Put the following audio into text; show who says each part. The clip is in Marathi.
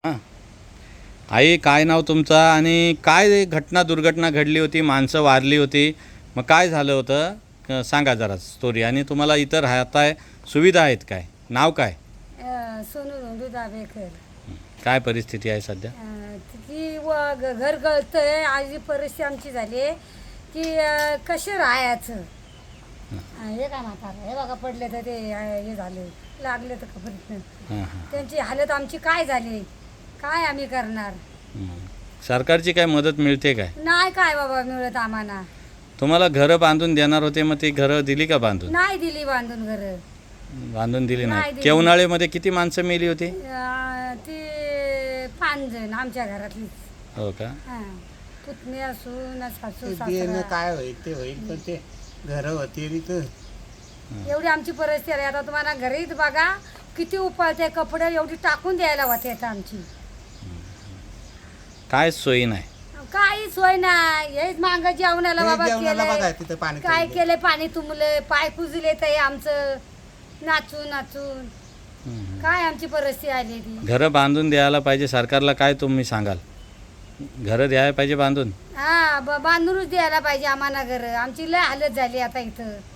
Speaker 1: हां. आई, काय नाव तुमचं आणि काय घटना दुर्घटना घडली होती, माणसं वारली होती, मग काय झालं होतं? सांगा जरा स्टोरी. आणि तुम्हाला इथं राहताय, सुविधा आहेत काय? नाव काय?
Speaker 2: सोनू धोंडू दाभेकर.
Speaker 1: काय परिस्थिती आहे सध्या?
Speaker 2: ती घर गळतंय. आजी परिस्थिती आमची झाली आहे की कसे राहायचं. हे काय म्हातारं हे बघा पडले तर ते हे झाले लागले तर खबरीतनं.
Speaker 1: हां हां.
Speaker 2: त्यांची हालत आमची काय झाली, काय आम्ही करणार.
Speaker 1: सरकारची काय मदत मिळते काय?
Speaker 2: नाही काय बाबा मिळत आम्हाला.
Speaker 1: तुम्हाला घरं बांधून देणार होते, मग ती घरं दिली का बांधून?
Speaker 2: नाही दिली बांधून घरं.
Speaker 1: बांधून दिली
Speaker 2: नाही
Speaker 1: नाही.
Speaker 2: दिली.
Speaker 1: केवनाळेमध्ये किती माणसं मेली होती?
Speaker 2: ती 5 जण आमच्या घरातलीच.
Speaker 1: हो का?
Speaker 2: पुतणी असून सासू
Speaker 3: ते
Speaker 2: सासरा.
Speaker 3: देणं काय होईल ते होईल, पण ते घरं होती तिथं.
Speaker 2: एवढी आमची परिस्थिती आहे. आता तुम्हाला घरीच बघा किती उपाळते कपडे एवढी टाकून द्यायला होते आता आमची.
Speaker 1: काय सोयी नाही.
Speaker 2: काही सोय नाही. हेच मांग जेवणाला
Speaker 3: ते
Speaker 2: बाबा
Speaker 3: जेवणाला बघा
Speaker 2: केलंय.
Speaker 3: तिथं पाणी
Speaker 2: काय
Speaker 3: चाललंय.
Speaker 2: केलंय, पाणी तुंबले, पाय कुजले ते आमचं नाचून नाचून. काय आमची परिस्थिती आली ती.
Speaker 1: घरं बांधून द्यायला पाहिजे सरकारला. काय तुम्ही सांगाल? घरं द्यायला पाहिजे बांधून.
Speaker 2: बांधूनच द्यायला पाहिजे आम्हाला घर. आमची लय हालत झाली आता इथं.